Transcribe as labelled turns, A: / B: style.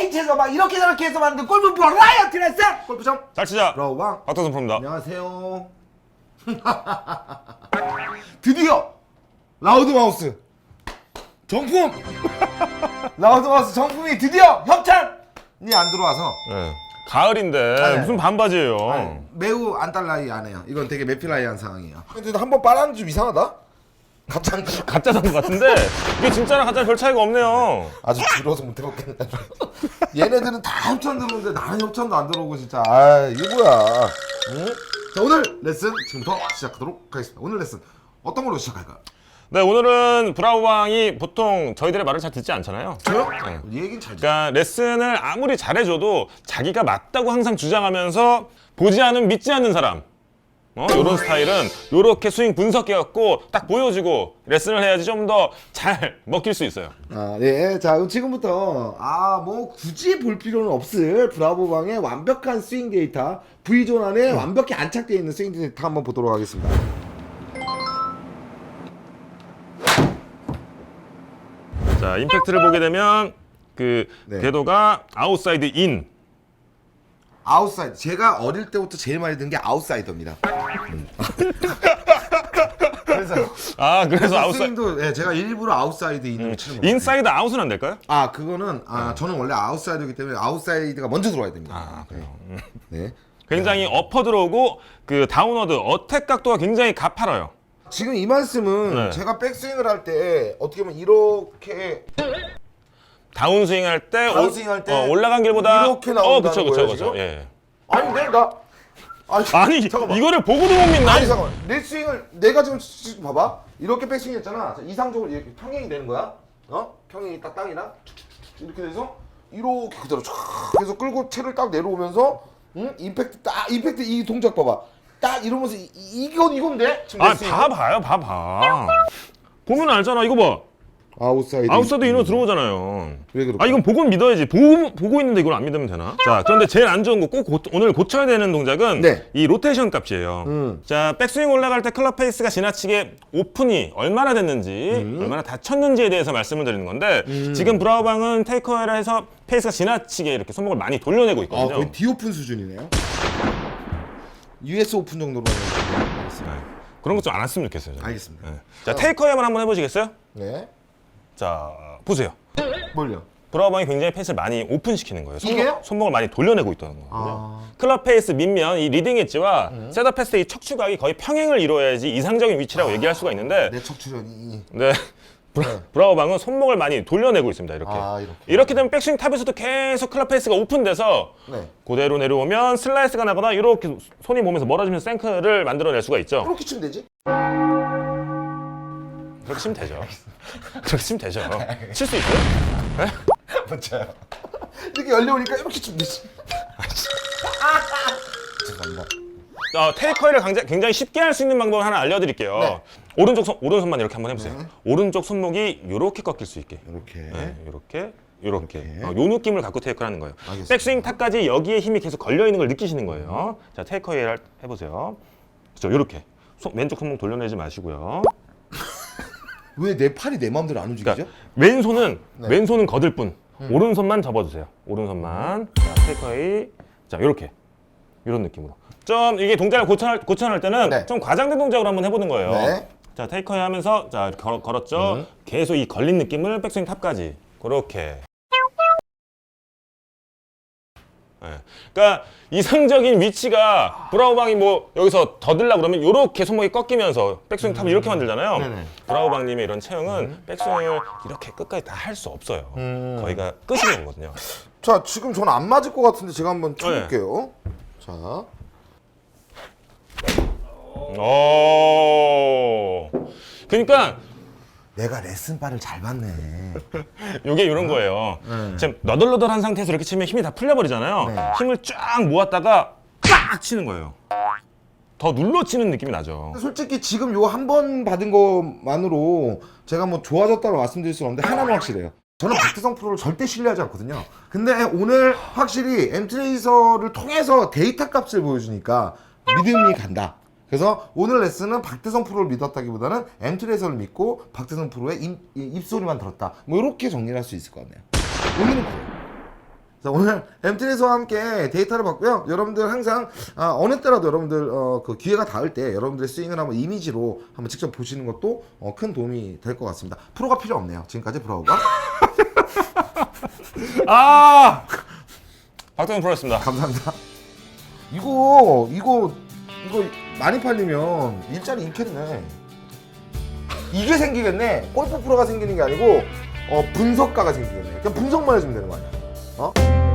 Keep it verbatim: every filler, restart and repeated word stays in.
A: K체에서 막 이렇게 저렇게 해서 만든 골프 버라이어티 레슨 골프점
B: 잘 치자.
A: 브라우방
B: 박태성 프로입니다.
A: 안녕하세요. 드디어 라우드마우스 정품 라우드마우스 정품이 드디어 협찬이 안 들어와서
B: 네. 가을인데
A: 아니,
B: 무슨 반바지예요.
A: 아니, 매우 안달나이 안 해요. 이건 되게 매필라이한 상황이에요. 근데 한번 빨았는데 좀 이상하다. 가짜
B: 가짜 산것 같은데 이게 진짜랑 가짜랑 별 차이가 없네요.
A: 아직 들어서 못 해먹겠네. 얘네들은 다 협찬 들어오는데 나는 협찬도 안 들어오고 진짜. 아 이게 뭐야? 응? 자 오늘 레슨 지금부터 시작하도록 하겠습니다. 오늘 레슨 어떤 걸로 시작할까요?
B: 네, 오늘은 브라우방이 보통 저희들의 말을 잘 듣지 않잖아요.
A: 저요?
B: 네.
A: 이 얘기는 잘 듣.
B: 그러니까 레슨을 아무리 잘해줘도 자기가 맞다고 항상 주장하면서 보지 않으면 믿지 않는 사람. 어? 이런 스타일은 이렇게 스윙 분석해갖고 딱 보여주고 레슨을 해야지 좀 더 잘 먹힐 수 있어요.
A: 아, 네. 자, 그럼 지금부터 아, 뭐 굳이 볼 필요는 없을 브라보방의 완벽한 스윙 데이터, V존 안에 완벽히 안착되어 있는 스윙 데이터 한번 보도록 하겠습니다.
B: 자, 임팩트를 보게 되면 그
A: 네.
B: 궤도가 아웃사이드 인.
A: 아웃사이드. 제가 어릴 때부터 제일 많이 든 게 아웃사이더입니다. 음. 그래서
B: 아, 그래서
A: 그래서
B: 아웃사이드.
A: 스윙도 예, 제가 일부러 아웃사이드 인을 치는 거예요.
B: 인사이드 아웃은 안 될까요?
A: 아, 그거는 아, 저는 원래 아웃사이드이기 때문에 아웃사이드가 먼저 들어와야 됩니다.
B: 아, 그래요. 음.
A: 네.
B: 굉장히 어퍼 들어오고 그 다운워드 어택 각도가 굉장히 가파라요.
A: 지금 이 말씀은
B: 네.
A: 제가 백스윙을 할 때 어떻게 보면 이렇게
B: 다운스윙 할 때,
A: 다운스윙 할 때
B: 어, 올라간 길보다
A: 이렇게 나온다는
B: 어, 그쵸, 그쵸,
A: 거예요,
B: 그쵸.
A: 지금?
B: 예.
A: 아니 근데 나 아니,
B: 아니,
A: 잠깐만.
B: 이거를 보고도 못 믿나?
A: 아니 잠깐만 내 스윙을 내가 지금, 지금 봐봐 이렇게 백스윙 했잖아. 자, 이상적으로 이렇게 평행이 되는 거야. 어? 평행이 딱 땅이랑 이렇게 돼서 이렇게 그대로 쫙 해서 끌고 채를 딱 내려오면서 응? 임팩트 딱 임팩트 이 동작 봐봐 딱 이러면서 이, 이- 이건 이건데 지금
B: 아,
A: 내 스윙은?
B: 봐봐요, 봐봐. 보면 알잖아, 이거 봐.
A: 아웃사이드
B: 아웃사이드 인으로 들어오잖아요.
A: 왜 그럴까?
B: 아, 이건 보고는 믿어야지. 보고, 보고 있는데 이걸 안 믿으면 되나? 자, 그런데 제일 안 좋은 거 꼭 오늘 고쳐야 되는 동작은
A: 네.
B: 이 로테이션 값이에요.
A: 음.
B: 자, 백스윙 올라갈 때 클럽 페이스가 지나치게 오픈이 얼마나 됐는지,
A: 음.
B: 얼마나 다쳤는지에 대해서 말씀을 드리는 건데, 지금 브라우방은 테이크어웨이를 해서 페이스가 지나치게 이렇게 손목을 많이 돌려내고
A: 아
B: 있거든요.
A: 거의 디오픈 수준이네요. 유에스 오픈 정도로 하겠습니다.
B: 네. 그런 것 좀 안 했으면 좋겠어요. 저는.
A: 알겠습니다.
B: 네. 자, 테이크어웨이만 한번 해보시겠어요?
A: 네.
B: 자, 보세요.
A: 뭘요?
B: 브라우방이 굉장히 페이스를 많이 오픈시키는 거예요. 손목,
A: 이게요?
B: 손목을 많이 돌려내고 있다는 거거든요.
A: 아.
B: 클럽 페이스 밑면 이 리딩 엣지와 셋업 패스의 이 척추각이 거의 평행을 이루어야지 이상적인 위치라고 얘기할 수가 있는데
A: 내 척추련이
B: 네. 브라, 브라우방은 손목을 많이 돌려내고 있습니다. 이렇게.
A: 아, 이렇게.
B: 이렇게 되면 백스윙 탑에서도 계속 클럽 페이스가 오픈돼서
A: 네.
B: 그대로 내려오면 슬라이스가 나거나 이렇게 손이 몸에서 멀어지면서 생크를 만들어낼 수가 있죠.
A: 그렇게 치면 되지?
B: 그렇게 치면 되죠. 그렇게 치면 되죠. 칠 수 있어요?
A: 맞아요. 이렇게 열려오니까 이렇게 치면 되지. 죄송합니다.
B: 어, 테이크어웨이를 굉장히, 굉장히 쉽게 할 수 있는 방법을 하나 알려드릴게요.
A: 네.
B: 오른쪽 손, 오른손만 이렇게 한번 해보세요.
A: 네.
B: 오른쪽 손목이 이렇게 꺾일 수 있게.
A: 이렇게.
B: 네, 이렇게, 이렇게.
A: 이렇게.
B: 어, 요 느낌을 갖고 테이크를 하는 거예요.
A: 알겠습니다.
B: 백스윙 탑까지 여기에 힘이 계속 걸려 있는 걸 느끼시는 거예요. 자, 테이크어웨이 할- 해보세요. 그렇죠, 이렇게. 손, 왼쪽 손목 돌려내지 마시고요.
A: 왜 내 팔이 내 마음대로 안 움직이죠?
B: 그러니까 왼손은
A: 네.
B: 왼손은 거들 뿐. 오른손만 접어주세요. 오른손만. 자, 테이크어웨이. 자, 이렇게. 이런 느낌으로. 좀 이게 동작을 고쳐할, 고쳐할 때는
A: 네.
B: 좀 과장된 동작으로 한번 해보는 거예요.
A: 네.
B: 자, 테이크어웨이 하면서 자, 이렇게 걸, 걸었죠.
A: 음.
B: 계속 이 걸린 느낌을 백스윙 탑까지. 그렇게. 네. 그러니까 이상적인 위치가 브라우방이 뭐 여기서 더 들려고 그러면 이렇게 손목이 꺾이면서 백스윙 탑을 이렇게 만들잖아요.
A: 네네.
B: 브라우방님의 이런 체형은 백스윙을 이렇게 끝까지 다 할 수 없어요.
A: 음.
B: 거기가 끝인 거거든요.
A: 자, 지금 저는 안 맞을 것 같은데 제가 한번 쳐볼게요. 자,
B: 오. 그러니까
A: 내가 레슨바를 잘 받네.
B: 이게 이런 거예요.
A: 네.
B: 지금 너덜너덜한 상태에서 이렇게 치면 힘이 다 풀려버리잖아요.
A: 네.
B: 힘을 쫙 모았다가 빡 치는 거예요. 더 눌러 치는 느낌이 나죠.
A: 솔직히 지금 요 한 번 받은 것만으로 제가 뭐 좋아졌다고 말씀드릴 수는 없는데 하나는 확실해요. 저는 박태성 프로를 절대 신뢰하지 않거든요. 근데 오늘 확실히 엠트레이서를 통해서 데이터 값을 보여주니까 믿음이 간다. 그래서 오늘 레슨은 박태성 프로를 믿었다기보다는 엠트레이서를 믿고 박태성 프로의 입, 입소리만 들었다. 뭐 이렇게 정리를 할 수 있을 것 같네요. 오늘은 그래요. 자, 오늘 엠트레이서와 함께 데이터를 봤고요. 여러분들 항상 아, 어느 때라도 여러분들 어, 그 기회가 닿을 때 여러분들의 스윙을 한번 이미지로 한번 직접 보시는 것도 어, 큰 도움이 될 것 같습니다. 프로가 필요 없네요. 지금까지 브라우가
B: 아 박태성 프로였습니다.
A: 감사합니다. 이거 이거 이거 많이 팔리면 일자리 잃겠네. 이게 생기겠네. 골프 프로가 생기는 게 아니고 어, 분석가가 생기겠네. 그냥 분석만 해주면 되는 거 아니야? 어?